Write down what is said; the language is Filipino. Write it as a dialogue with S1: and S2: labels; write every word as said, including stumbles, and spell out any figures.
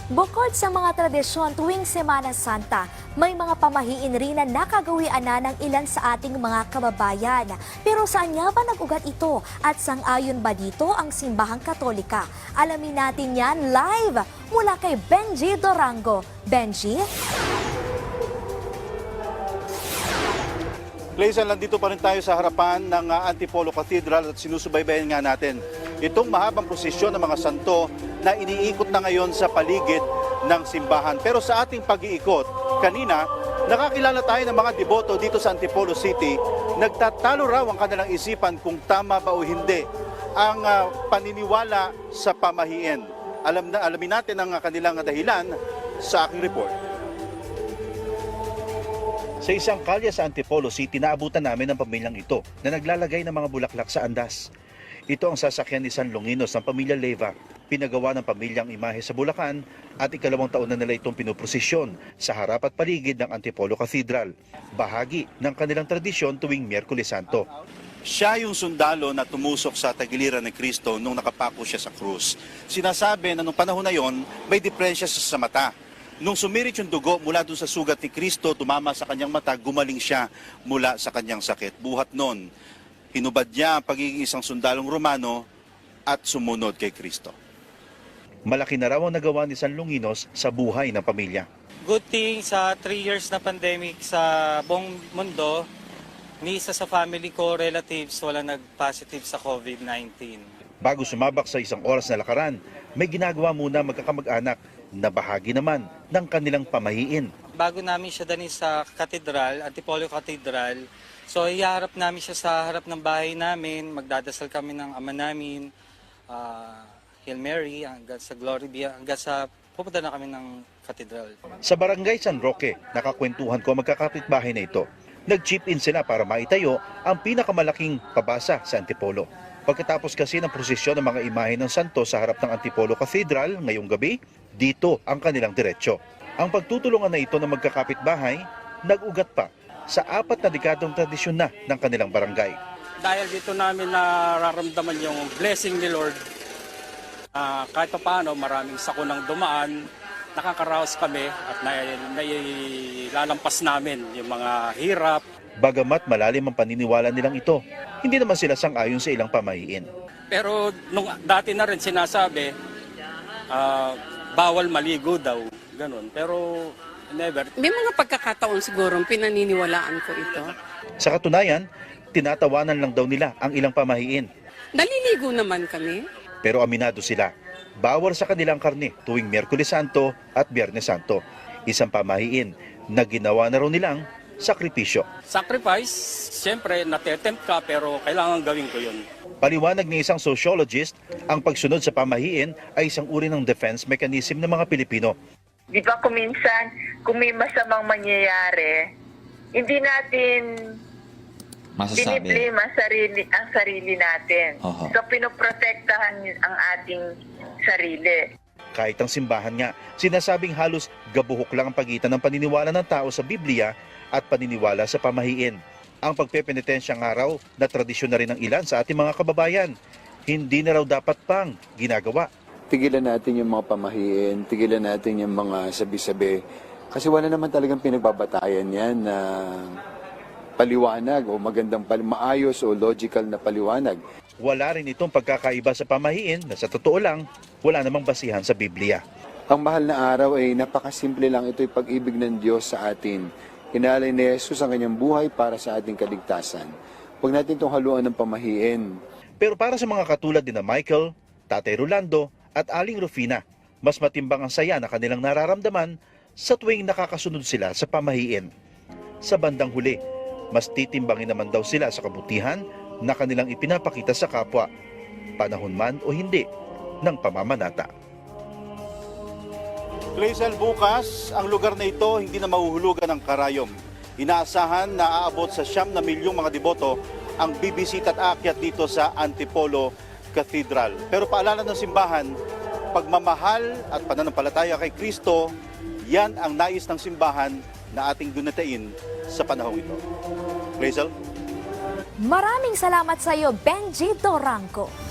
S1: Bukod sa mga tradisyon tuwing Semana Santa, may mga pamahiin rin na nakagawian na ng ilan sa ating mga kababayan. Pero saan nga ba nag-ugat ito at sang-ayon ba dito ang simbahang Katolika? Alamin natin yan live mula kay Benji Dorango. Benji?
S2: Laisan, nandito pa rin tayo sa harapan ng uh, Antipolo Cathedral at sinusubaybayan nga natin itong mahabang prosesyon ng mga santo na iniikot na ngayon sa paligid ng simbahan. Pero sa ating pag-iikot, kanina, nakakilala tayo ng mga deboto dito sa Antipolo City. Nagtatalo raw ang kanilang isipan kung tama ba o hindi ang uh, paniniwala sa pamahiin. Alam na, alamin natin ang uh, kanilang dahilan sa aking report. Sa isang kalye sa Antipolo City, naabutan namin ang pamilyang ito na naglalagay ng mga bulaklak sa andas. Ito ang sasakyan ni San Longinos ng pamilya Leyva. Pinagawa ng pamilyang imahe sa Bulacan at ikalawang taon na nila itong pinuprosesyon sa harap at paligid ng Antipolo Cathedral. Bahagi ng kanilang tradisyon tuwing Miyerkules Santo. Siya yung sundalo na tumusok sa tagiliran ni Kristo nung nakapako siya sa krus. Sinasabi na nung panahon na yon, may depresya sa, sa mata. Nung sumirit yung dugo mula doon sa sugat ni Kristo, tumama sa kanyang mata, gumaling siya mula sa kanyang sakit. Buhat nun, hinubad niya ang pagiging isang sundalong Romano at sumunod kay Kristo. Malaki na raw ang nagawa ni San Longinos sa buhay ng pamilya.
S3: Good thing sa three years na pandemic sa buong mundo, ni isa sa family ko, relatives, wala nag-positive sa COVID nineteen.
S2: Bago sumabak sa isang oras na lakaran, may ginagawa muna magkakamag-anak na bahagi naman ng kanilang pamahiin.
S3: Bago namin siya dalhin sa katedral, Antipolo Cathedral, so iharap namin siya sa harap ng bahay namin, magdadasal kami ng ama namin, uh, Hail Mary, hanggang sa Glory be, hanggang sa pupunta na kami ng katedral.
S2: Sa barangay San Roque, nakakwentuhan ko ang magkakapitbahay na ito. Nag-chip in sila para maitayo ang pinakamalaking pabasa sa Antipolo. Pagkatapos kasi ng prosesyon ng mga imahe ng santo sa harap ng Antipolo Cathedral ngayong gabi, dito ang kanilang diretsyo. Ang pagtutulungan na ito ng magkakapitbahay, nag-ugat pa sa apat na dekadong tradisyon na ng kanilang barangay.
S4: Dahil dito namin nararamdaman yung blessing ni Lord, uh, kahit pa paano maraming sakunang dumaan, nakakaraos kami at nailalampas namin yung mga hirap.
S2: Bagamat malalim ang paniniwala nilang ito, hindi naman sila sang-ayon sa ilang pamahiin.
S4: Pero nung dati na rin sinasabi, uh, bawal maligo daw, ganun. Pero never.
S5: May mga pagkakataon siguro pinaniniwalaan ko ito.
S2: Sa katunayan, tinatawanan lang daw nila ang ilang pamahiin.
S5: Naliligo naman kami.
S2: Pero aminado sila, bawal sa kanilang karne tuwing Miyerkules Santo at Biyernes Santo. Isang pamahiin na ginawa na raw nilang sakripisyo.
S4: Sacrifice, siyempre natetempt ka pero kailangan gawin ko yun.
S2: Paliwanag ng isang sociologist, ang pagsunod sa pamahiin ay isang uri ng defense mechanism ng mga Pilipino.
S6: Di ba kung minsan, kung may masamang mangyayari, hindi natin
S7: masasabi,
S6: biniblame ang sarili, ang sarili natin.
S7: Oho.
S6: So, pinoprotektahan ang ating sarili.
S2: Kahit ang simbahan nga, sinasabing halos gabuhok lang ang pagitan ng paniniwala ng tao sa Biblia at paniniwala sa pamahiin. Ang pagpepenitensyang araw na tradisyon na rin ng ilan sa ating mga kababayan, hindi na raw dapat pang ginagawa.
S8: Tigilan natin yung mga pamahiin, tigilan natin yung mga sabi-sabi. Kasi wala naman talagang pinagbabatayan yan na paliwanag o magandang pal maayos o logical na paliwanag.
S2: Wala rin itong pagkakaiba sa pamahiin na sa totoo lang, wala namang basihan sa Biblia.
S8: Ang mahal na araw ay napakasimple lang, ito'y pag-ibig ng Diyos sa atin. Inalay ni Jesus ang kanyang buhay para sa ating kaligtasan. Huwag natin itong haluan ng pamahiin.
S2: Pero para sa mga katulad ni na Michael, Tatay Rolando at Aling Rufina, mas matimbang ang saya na kanilang nararamdaman sa tuwing nakakasunod sila sa pamahiin. Sa bandang huli, mas titimbangin naman daw sila sa kabutihan na kanilang ipinapakita sa kapwa, panahon man o hindi ng pamamanata. Clazel, bukas, ang lugar na ito hindi na mahuhulugan ng karayom. Inaasahan na aabot sa siyam na milyong mga deboto ang bibisita at aakyat dito sa Antipolo Cathedral. Pero paalala ng simbahan, pagmamahal at pananampalataya kay Kristo, yan ang nais ng simbahan na ating dunitain sa panahong ito. Clazel?
S1: Maraming salamat sa iyo, Benji Dorango.